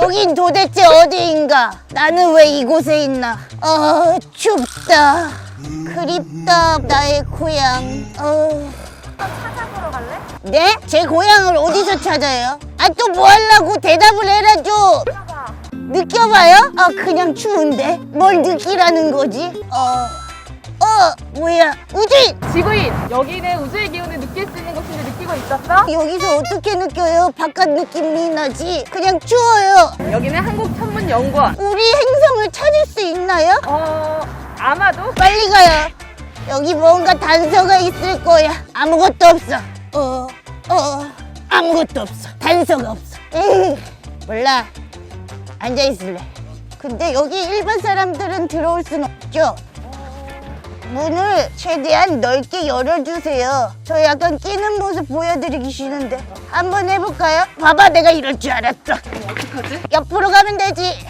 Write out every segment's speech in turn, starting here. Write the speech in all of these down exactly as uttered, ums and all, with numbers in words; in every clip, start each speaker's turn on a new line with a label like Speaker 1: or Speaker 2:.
Speaker 1: 여긴 도대체 어디인가? 나는 왜 이곳에 있나? 어, 춥다. 그립다, 나의 고향. 어...
Speaker 2: 찾아보러 갈래?
Speaker 1: 네? 제 고향을 어디서 찾아요? 아, 또 뭐 하려고 대답을 해라죠.
Speaker 2: 찾아봐.
Speaker 1: 느껴봐요? 아, 그냥 추운데? 뭘 느끼라는 거지? 어... 어, 뭐야? 우주인!
Speaker 2: 지구인, 여기는 우주의 기운을 느낄 수 있는 곳인지 느끼고 있었어?
Speaker 1: 여기서 어떻게 느껴요? 바깥 느낌이 나지? 그냥 추워요.
Speaker 2: 여기는 한국천문연구원.
Speaker 1: 우리 행성을 찾을 수 있나요?
Speaker 2: 어... 아마도?
Speaker 1: 빨리 가요. 여기 뭔가 단서가 있을 거야. 아무것도 없어. 어, 어, 아무것도 없어. 단서가 없어. 에이, 몰라. 앉아있을래. 근데 여기 일반 사람들은 들어올 순 없죠? 문을 최대한 넓게 열어주세요. 저 약간 끼는 모습 보여드리기 싫은데. 한번 해볼까요? 봐봐, 내가 이럴 줄 알았어.
Speaker 2: 어떡하지?
Speaker 1: 옆으로 가면 되지.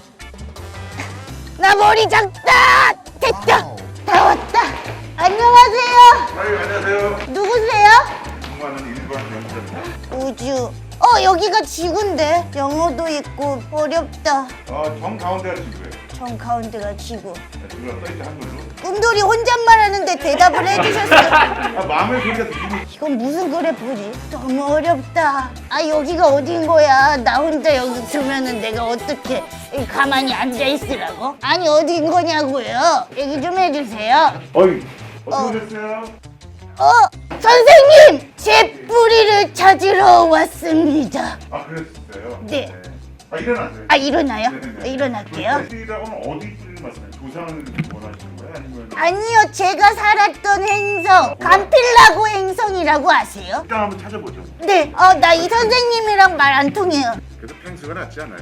Speaker 1: 나 머리 작다. 됐다. 다 왔다. 안녕하세요.
Speaker 3: 아유, 안녕하세요.
Speaker 1: 누구세요?
Speaker 3: 공부하는 일반 연구자입니다.
Speaker 1: 우주. 어, 여기가 지구인데. 영어도 있고 어렵다.
Speaker 3: 어, 정 가운데가 지구예요.
Speaker 1: 정 가운데가 지구.
Speaker 3: 지구가 써있지 한글로.
Speaker 1: 꿈돌이 혼잣말 하는데 대답을 해주셨어요.
Speaker 3: 아, 마음을 그러니까 느낌이.
Speaker 1: 이건 무슨 그래프지? 너무 어렵다. 아, 여기가 어딘 거야? 나 혼자 여기 두면은 내가 어떻게 가만히 앉아 있으라고? 아니, 어딘 거냐고요? 얘기 좀 해주세요.
Speaker 3: 어이,
Speaker 1: 어.
Speaker 3: 어떻게 오셨어요?
Speaker 1: 어, 선생님! 제 뿌리를 찾으러 왔습니다.
Speaker 3: 아, 그랬어요?
Speaker 1: 네.
Speaker 3: 아, 일어나세요.
Speaker 1: 아, 일어나요?
Speaker 3: 네네네.
Speaker 1: 일어날게요.
Speaker 3: 뿌리라고는 어디 뿌리를 말씀해요? 조상을 원하시는 거예요? 아니면?
Speaker 1: 아니요, 제가 살았던 행성, 감필라고 행성이라고 아세요?
Speaker 3: 일단 한번 찾아보죠.
Speaker 1: 네, 어, 나 이 선생님이랑 말 안 통해요.
Speaker 3: 그래도 펭수가 낫지 않아요?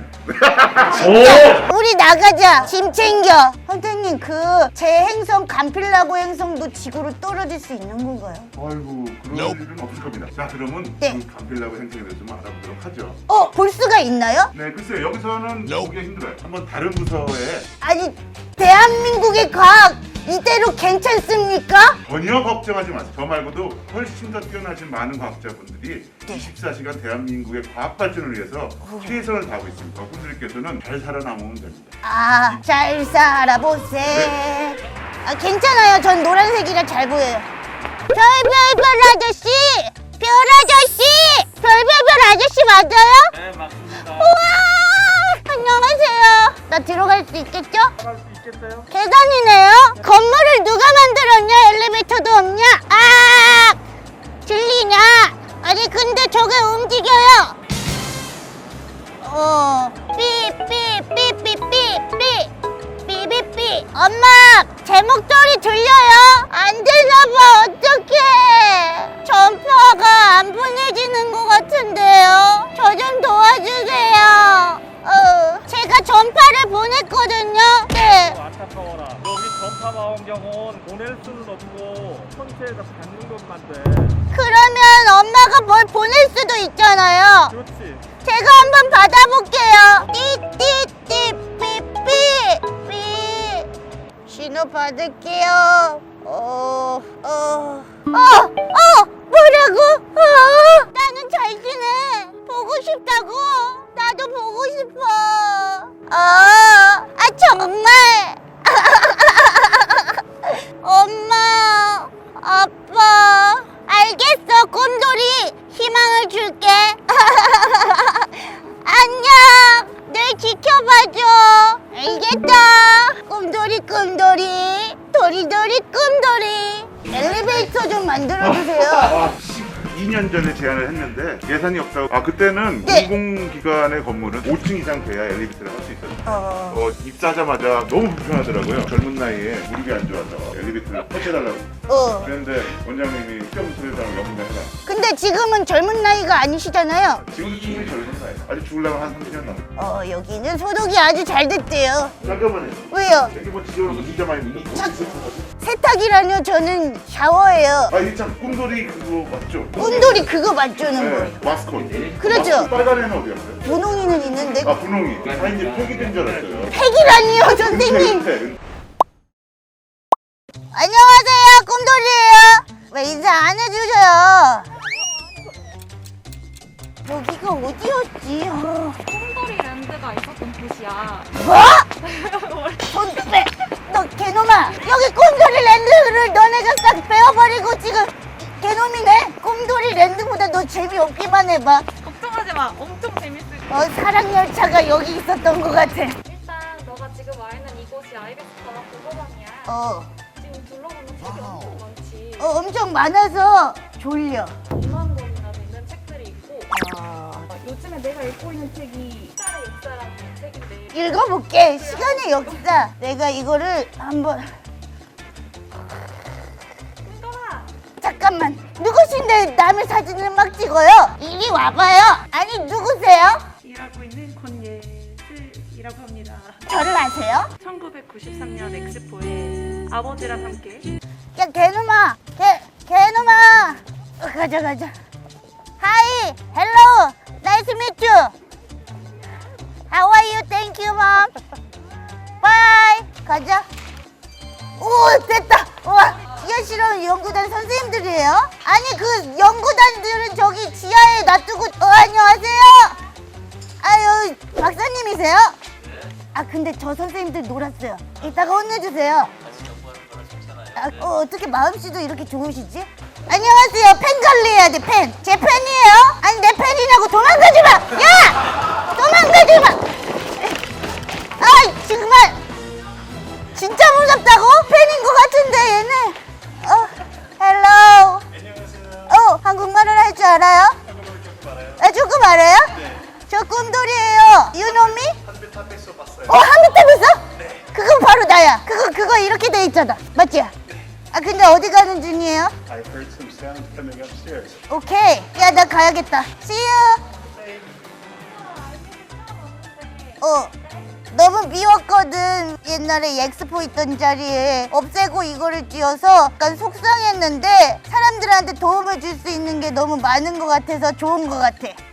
Speaker 1: 우리 나가자. 짐 챙겨. 선생님, 그 제 행성 감필라고 행성도 지구로 떨어질 수 있는 건가요?
Speaker 3: 아이고, 그런 일은 없을 겁니다. 자, 그러면
Speaker 1: 네.
Speaker 3: 그 감필라고 행성에 대해서 좀 알아보도록 하죠.
Speaker 1: 어, 볼 수가 있나요?
Speaker 3: 네, 글쎄요. 여기서는 보기가 힘들어요. 한번 다른 부서에
Speaker 1: 아니, 대한민국의 과학 이대로 괜찮습니까?
Speaker 3: 전혀 걱정하지 마세요. 저 말고도 훨씬 더 뛰어나신 많은 과학자분들이
Speaker 1: 네.
Speaker 3: 이십사 시간 대한민국의 과학 발전을 위해서 최선을 다하고 있습니다. 그분들께서는 잘 살아남으면 됩니다.
Speaker 1: 아, 잘 살아보세.
Speaker 3: 네.
Speaker 1: 아, 괜찮아요. 전 노란색이라 잘 보여요. 별별별 아저씨! 별 아저씨! 별별별 아저씨 맞아요?
Speaker 4: 네, 맞습니다.
Speaker 1: 우와! 안녕하세요. 나 들어갈 수 있겠죠?
Speaker 4: 할 수 있겠어요?
Speaker 1: 계단이네요. 건물을 누가 만들었냐? 엘리베이터도 없냐? 아! 들리냐? 아니 근데 저게 움직여요. 어, 삐삐삐삐삐삐 삐삐삐. 엄마, 제 목소리 들려요? 안 들려봐. 어떡해. 전파가 안 보내지는 것 같은데요. 저 좀 도와주세요. 어, 제가 전파를 보냈거든요. 네.
Speaker 4: 안타까워라. 여기 전파 망원경은 보낼 수는 없고 천체에서 받는 것만 돼.
Speaker 1: 그러면 엄마가 뭘 보낼 수도 있잖아요.
Speaker 4: 그렇지.
Speaker 1: 제가 한번 받아볼게요. 띠띠띠 삐삐 삐. 신호 받을게요. 어, 어, 어, 어, 뭐라고? 어, 나는 잘 지내. 보고 싶다고. 나도 보고 싶어. 어, 아 정말. 엄마, 아빠. 알겠어, 곰돌이. 희망을 줄게. 안녕. 늘 지켜봐줘. 알겠다. 곰돌이, 곰돌이. 도리도리, 곰돌이. 엘리베이터 좀 만들어주세요.
Speaker 3: 아, 십이 년 전에 제안을 했는데 예산이 없다고. 아, 그때는
Speaker 1: 네.
Speaker 3: 공공기관의 건물은 오 층 이상 돼야 엘리베이터를 할 수 있었어요.
Speaker 1: 어,
Speaker 3: 어, 입사하자마자 너무 불편하더라고요. 젊은 나이에 무릎이 안 좋아서 엘리베이터를 터치해달라고.
Speaker 1: 어.
Speaker 3: 그런데 원장님이 시험 소유자랑 연구를 해라.
Speaker 1: 근데 지금은 젊은 나이가 아니시잖아요.
Speaker 3: 지금도 충분히 젊은 나이. 아직 죽으려면 한 삼십 년 남았어.
Speaker 1: 어, 여기는 소독이 아주 잘 됐대요.
Speaker 3: 잠깐만요.
Speaker 1: 왜요?
Speaker 3: 여기 뭐 지저분한 거 진짜 많이 있는 거.
Speaker 1: 세탁이라뇨? 저는 샤워예요.
Speaker 3: 아, 이게 참 꿈돌이 그거 맞죠?
Speaker 1: 꿈돌이 그거 맞추는 거예요.
Speaker 3: 네, 마스콘.
Speaker 1: 그렇죠.
Speaker 3: 마스콘 빨간 애는 어디였어요?
Speaker 1: 분홍이는 있는데
Speaker 3: 아, 분홍이. 아, 이제 폐기된 줄 알았어요.
Speaker 1: 팩이라니요, 선생님.
Speaker 3: 은퇴, 은퇴.
Speaker 1: 안녕하세요, 꿈돌이에요. 왜 인사 안 해주셔요? 어, 어, 어, 뭐라고? 어, 나 는 잘 지내. 보고 싶다고. 나도 보고 싶어. 아, 여기가 어디였지? 어.
Speaker 2: 콩돌이 랜드가 있었던 곳이야.
Speaker 1: 뭐? 손 빼! 너 개놈아! 여기 꼼돌이 랜드를 너네가 싹 빼어버리고 지금 개놈이네? 꼼돌이 랜드보다 너 재미없기만 해봐.
Speaker 2: 걱정하지 마. 엄청 재밌을 거야.
Speaker 1: 어, 사랑열차가 여기 있었던 것 같아.
Speaker 2: 일단 너가 지금 와 있는 이곳이 아이베스 관악 도서관이야.
Speaker 1: 어,
Speaker 2: 지금 둘러보면 책이 엄청 많지.
Speaker 1: 어 엄청 많아서 졸려.
Speaker 2: 이만 권이나 되는 책들이 있고
Speaker 1: 아,
Speaker 2: 어, 요즘에 내가 읽고 있는 책이 시간의 역사라는 책인데
Speaker 1: 읽어볼게. 시간의 역사. 내가 이거를 한번.
Speaker 2: 콩돌아!
Speaker 1: 잠깐만. 누구신데 남의 사진을 막 찍어요? 이리 와봐요. 아니 누구세요?
Speaker 5: 일하고 있는 권예슬이라고 합니다.
Speaker 1: 저를 아세요?
Speaker 5: 천구백구십삼 년 엑스포에 아버지랑 함께
Speaker 1: 야 개놈아. 개 개놈아. 어, 가자 가자. Hi, hello, nice to meet you. How are you? Thank you, mom. Bye. 가자. 오, 됐다. 와, 기아실험 연구단 선생님들이에요? 아니 그 연구단들은 저기 지하에 놔두고. 어, 안녕하세요. 아유, 박사님이세요? 아 근데 저 선생님들 놀았어요. 이따가 혼내주세요. 아, 어, 어떻게 마음씨도 이렇게 좋으시지? 안녕하세요. 펜 관리해야 돼, 펜. 제 펜이에요? 아니, 내 펜이냐고. 도망가지 마! 야! 도망가지 마! 아, 정말. 진짜 무섭다고? 펜인 것 같은데, 얘네. 어, 헬로. 안녕하세요. 어, 한국말을 할 줄 알아요? 한국말 조금 알아요. 아, 조금 알아요? 네. 저 꿈돌이에요. You know me? 한비탑에서 봤어요. 어, 한비탑에서? 네. 그건 바로 나야. 그거, 그거 이렇게 돼 있잖아. 맞지? 아 근데 어디 가는 중이에요?
Speaker 6: I heard some sound coming upstairs.
Speaker 1: 오케이. 야 나 가야겠다. See you. 어. 너무 미웠거든. 옛날에 엑스포 있던 자리에 없애고 이거를 띄워서 약간 속상했는데 사람들한테 도움을 줄 수 있는 게 너무 많은 것 같아서 좋은 것 같아.